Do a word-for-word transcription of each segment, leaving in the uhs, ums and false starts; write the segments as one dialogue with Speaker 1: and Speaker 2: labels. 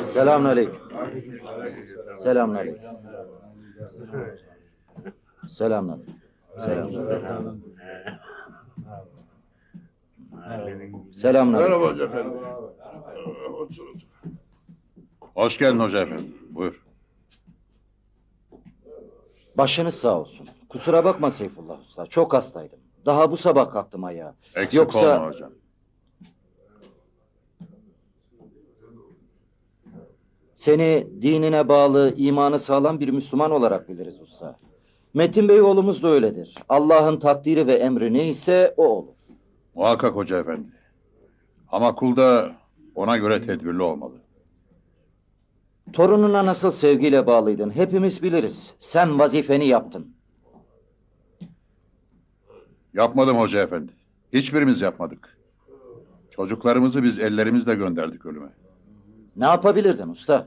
Speaker 1: Selamünaleyküm. Selamünaleyküm. Selamünaleyküm. Selamünaleyküm. Selamünaleyküm.
Speaker 2: Merhaba hoca efendi. Otur otur.
Speaker 3: Hoş geldin hoca efendi. Buyur.
Speaker 1: Başınız sağ olsun. Kusura bakma Seyfullah Usta. Çok hastaydım. Daha bu sabah kalktım ayağa.
Speaker 3: Eksik
Speaker 1: Yoksa...
Speaker 3: olma hocam.
Speaker 1: Seni dinine bağlı, imanı sağlam bir Müslüman olarak biliriz usta. Metin Bey oğlumuz da öyledir. Allah'ın takdiri ve emri neyse o olur.
Speaker 3: Muhakkak hoca efendi. Ama kul da ona göre tedbirli olmalı.
Speaker 1: Torununa nasıl sevgiyle bağlıydın hepimiz biliriz. Sen vazifeni yaptın.
Speaker 3: Yapmadım hoca efendi. Hiçbirimiz yapmadık. Çocuklarımızı biz ellerimizle gönderdik ölüme.
Speaker 1: Ne yapabilirdin usta?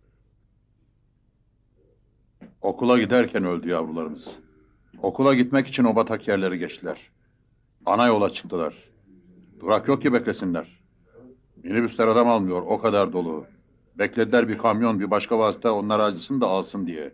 Speaker 3: Okula giderken öldü yavrularımız. Okula gitmek için o batak yerleri geçtiler. Ana yola çıktılar. Durak yok ki beklesinler. Minibüsler adam almıyor, o kadar dolu. Beklediler bir kamyon, bir başka vasıta onlar acısını da alsın diye.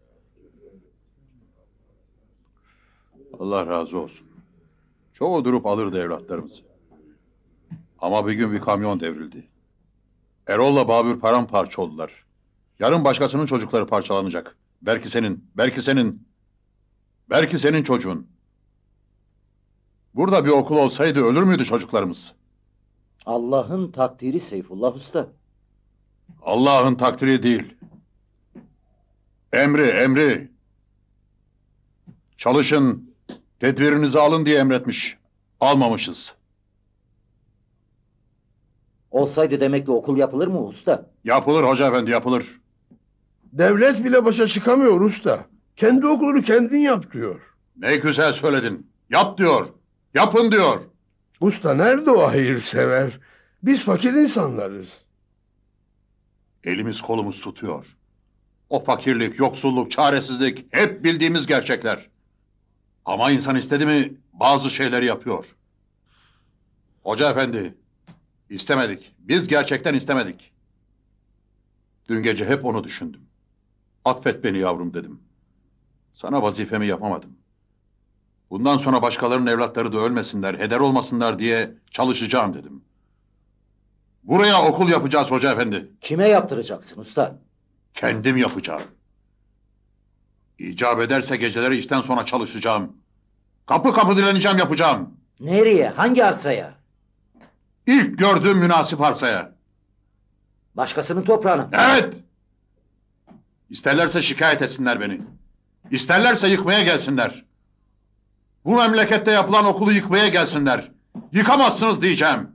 Speaker 3: Allah razı olsun. Çoğu durup alırdı evlatlarımızı. Ama bir gün bir kamyon devrildi. Erol'la Babür paramparça oldular. Yarın başkasının çocukları parçalanacak. Belki senin, belki senin, belki senin çocuğun. Burada bir okul olsaydı ölür müydü çocuklarımız?
Speaker 1: Allah'ın takdiri Seyfullah Usta.
Speaker 3: Allah'ın takdiri değil. Emri, emri. Çalışın, tedbirinizi alın diye emretmiş. Almamışız.
Speaker 1: Olsaydı demek ki okul yapılır mı usta?
Speaker 3: Yapılır hoca efendi, yapılır.
Speaker 2: Devlet bile başa çıkamıyor usta. Kendi okulunu kendin yap diyor.
Speaker 3: Ne güzel söyledin. Yap diyor. Yapın diyor.
Speaker 2: Usta nerede o hayırsever? Biz fakir insanlarız.
Speaker 3: Elimiz kolumuz tutuyor. O fakirlik, yoksulluk, çaresizlik hep bildiğimiz gerçekler. Ama insan istedi mi bazı şeyleri yapıyor. Hoca efendi, istemedik. Biz gerçekten istemedik. Dün gece hep onu düşündüm. Affet beni yavrum dedim. Sana vazifemi yapamadım. Bundan sonra başkalarının evlatları da ölmesinler, heder olmasınlar diye çalışacağım dedim. Buraya okul yapacağız hoca efendi.
Speaker 1: Kime yaptıracaksın usta?
Speaker 3: Kendim yapacağım. İcap ederse geceleri işten sonra çalışacağım. Kapı kapı dileneceğim, yapacağım.
Speaker 1: Nereye? Hangi arsaya?
Speaker 3: İlk gördüğüm münasip arsaya.
Speaker 1: Başkasının toprağına.
Speaker 3: Evet. İsterlerse şikayet etsinler beni. İsterlerse yıkmaya gelsinler. Bu memlekette yapılan okulu yıkmaya gelsinler. Yıkamazsınız diyeceğim.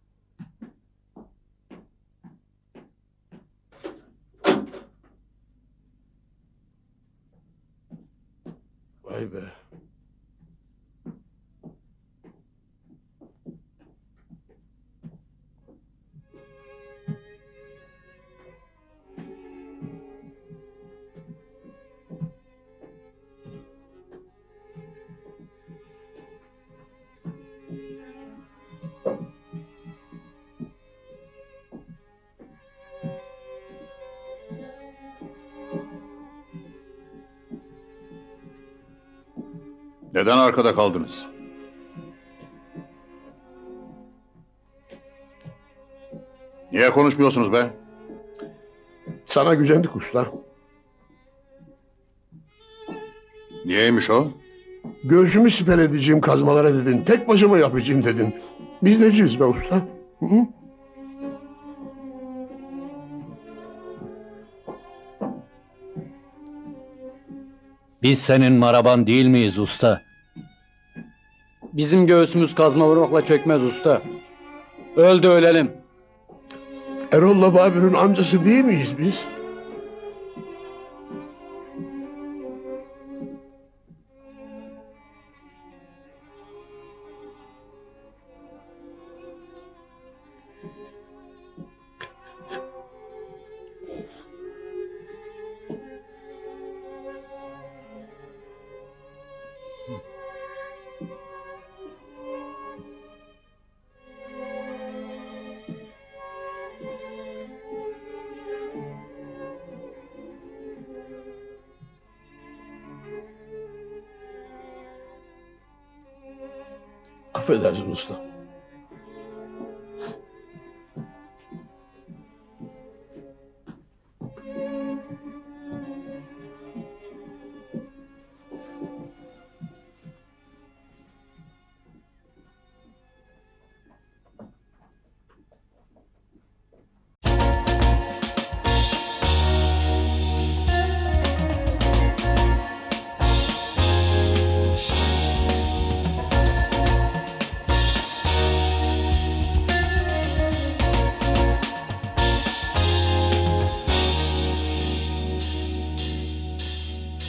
Speaker 2: Vay be.
Speaker 3: Neden arkada kaldınız? Niye konuşmuyorsunuz be?
Speaker 2: Sana gücendik usta.
Speaker 3: Niyeymiş o?
Speaker 2: Göğsümü siper edeceğim kazmalara dedin. Tek başıma yapacağım dedin. Biz neciyiz be usta? Hı -hı.
Speaker 4: Biz senin maraban değil miyiz usta?
Speaker 5: Bizim göğsümüz kazma vurmakla çökmez usta. Öl de ölelim.
Speaker 2: Erol'la Babür'ün amcası değil miyiz biz? Affedersin usta.